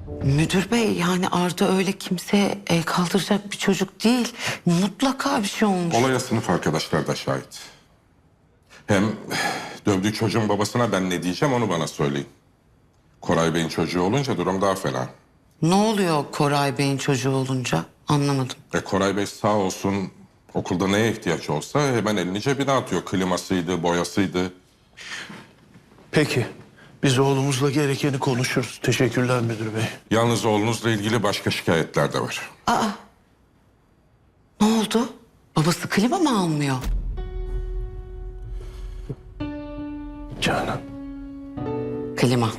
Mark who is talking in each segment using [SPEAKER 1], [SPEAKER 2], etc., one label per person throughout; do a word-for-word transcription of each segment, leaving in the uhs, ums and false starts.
[SPEAKER 1] Müdür bey, yani Arda öyle kimseye el kaldıracak bir çocuk değil. Mutlaka bir şey olmuş.
[SPEAKER 2] Olaya sınıf arkadaşlar da şahit. Hem dövdüğü çocuğun babasına ben ne diyeceğim onu bana söyleyin. Koray Bey'in çocuğu olunca durum daha fena.
[SPEAKER 1] Ne oluyor Koray Bey'in çocuğu olunca? Anlamadım.
[SPEAKER 2] E Koray Bey sağ olsun, okulda neye ihtiyaç olsa hemen elini cebine atıyor. Klimasıydı, boyasıydı.
[SPEAKER 3] Peki. Biz oğlumuzla gerekeni konuşuruz. Teşekkürler müdür bey.
[SPEAKER 2] Yalnız oğlunuzla ilgili başka şikayetler de var.
[SPEAKER 1] Ne oldu? Babası klima mı almıyor?
[SPEAKER 3] Canan.
[SPEAKER 1] Klima.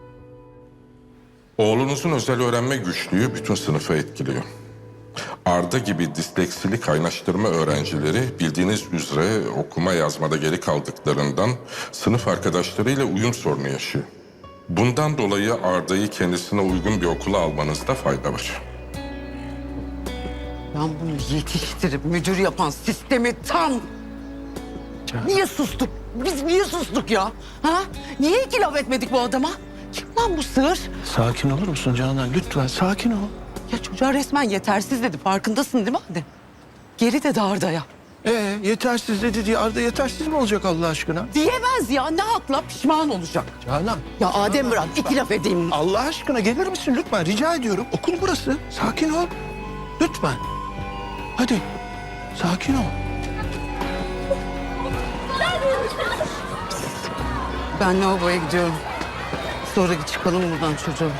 [SPEAKER 2] Oğlunuzun özel öğrenme güçlüğü bütün sınıfı etkiliyor. Arda gibi disleksili kaynaştırma öğrencileri bildiğiniz üzere okuma yazmada geri kaldıklarından sınıf arkadaşlarıyla uyum sorunu yaşıyor. Bundan dolayı Arda'yı kendisine uygun bir okula almanızda fayda var.
[SPEAKER 1] Ben bunu yetiştirip müdür yapan sistemi tam... Niye sustuk? Biz niye sustuk ya? Ha? Niye iki laf etmedik bu adama? Kim lan bu sığır?
[SPEAKER 3] Sakin olur musun Canan? Lütfen sakin ol.
[SPEAKER 1] Ya çocuğa resmen yetersiz dedi. Farkındasın değil mi hadi? Geri dedi Arda'ya.
[SPEAKER 3] Ee, yetersiz dedi diye Arda yetersiz mi olacak Allah aşkına?
[SPEAKER 1] Diyemez ya. Ne hakla pişman olacak.
[SPEAKER 3] Canan.
[SPEAKER 1] Ya Adem bırak iki laf edeyim.
[SPEAKER 3] Allah aşkına gelir misin lütfen? Rica ediyorum. Okul burası. Sakin ol. Lütfen. Hadi. Sakin ol.
[SPEAKER 1] Ben lavaboya gidiyorum. Sonra çıkalım buradan çocuğum.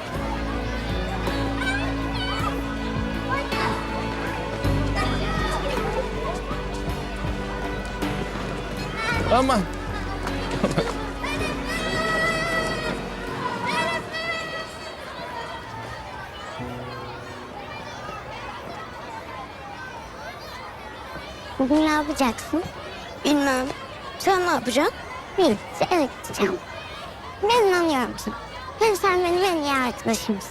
[SPEAKER 3] Aman.
[SPEAKER 4] Bugün ne yapacaksın? Bilmem. Sen ne yapacaksın? Birlikte eve gideceğim. Ben inanıyorum sana. Hem sen benim en iyi arkadaşımsın.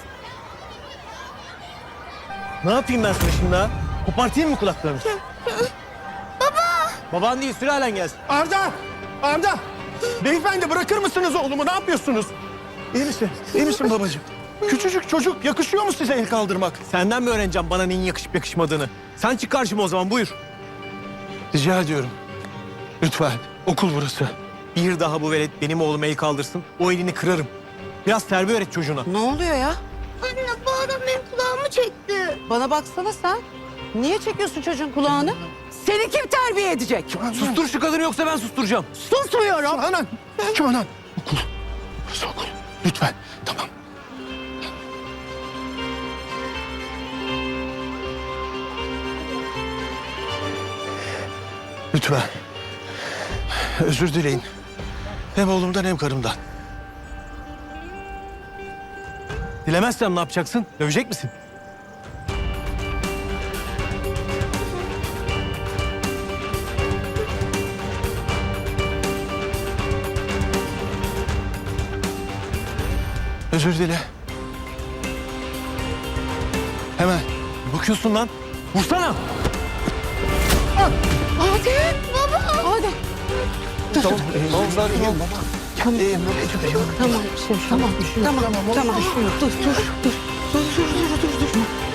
[SPEAKER 5] Ne yapayım ben sana şimdi ha? Kopartayım mı kulaklarını? Baba! Baban değil, sürelen gelsin.
[SPEAKER 3] Arda! Arda! Beyefendi bırakır mısınız oğlumu? Ne yapıyorsunuz? İyi misin? İyi misin babacığım? Küçücük çocuk yakışıyor mu size el kaldırmak?
[SPEAKER 5] Senden mi öğreneceğim bana neyin yakışıp yakışmadığını? Sen çık karşıma o zaman, buyur.
[SPEAKER 3] Rica ediyorum. Lütfen. Okul burası.
[SPEAKER 5] Bir daha bu velet benim oğluma el kaldırsın, o elini kırarım. Biraz terbiye öğret çocuğuna.
[SPEAKER 1] Ne oluyor ya?
[SPEAKER 4] Anne bu adam benim kulağımı çekti.
[SPEAKER 1] Bana baksana sen. Niye çekiyorsun çocuğun kulağını? Seni kim terbiye edecek?
[SPEAKER 5] Sustur şu kadını yoksa ben susturacağım.
[SPEAKER 1] Susmuyorum.
[SPEAKER 3] Canan! Canan! Okul. Burası okul. Lütfen. Tamam. Lütfen. Özür dileyin. Hem oğlumdan hem karımdan.
[SPEAKER 5] Dilemezsem ne yapacaksın? Dövecek misin?
[SPEAKER 3] Özür dile. Hemen.
[SPEAKER 5] Bakıyorsun lan. Vursana.
[SPEAKER 1] Adem. Baba. Adem. Dur,
[SPEAKER 3] Tamam.
[SPEAKER 1] dur.
[SPEAKER 3] İyiyim. Tamam. İyiyim baba.
[SPEAKER 1] Tamam.
[SPEAKER 3] İyiyim. Hiçbir şey yok.
[SPEAKER 1] Tamam, bir şey yok. Tamam, tamam, tamam.
[SPEAKER 3] Tamam,
[SPEAKER 1] Dur, dur, dur. Dur, dur, dur, dur, dur, dur.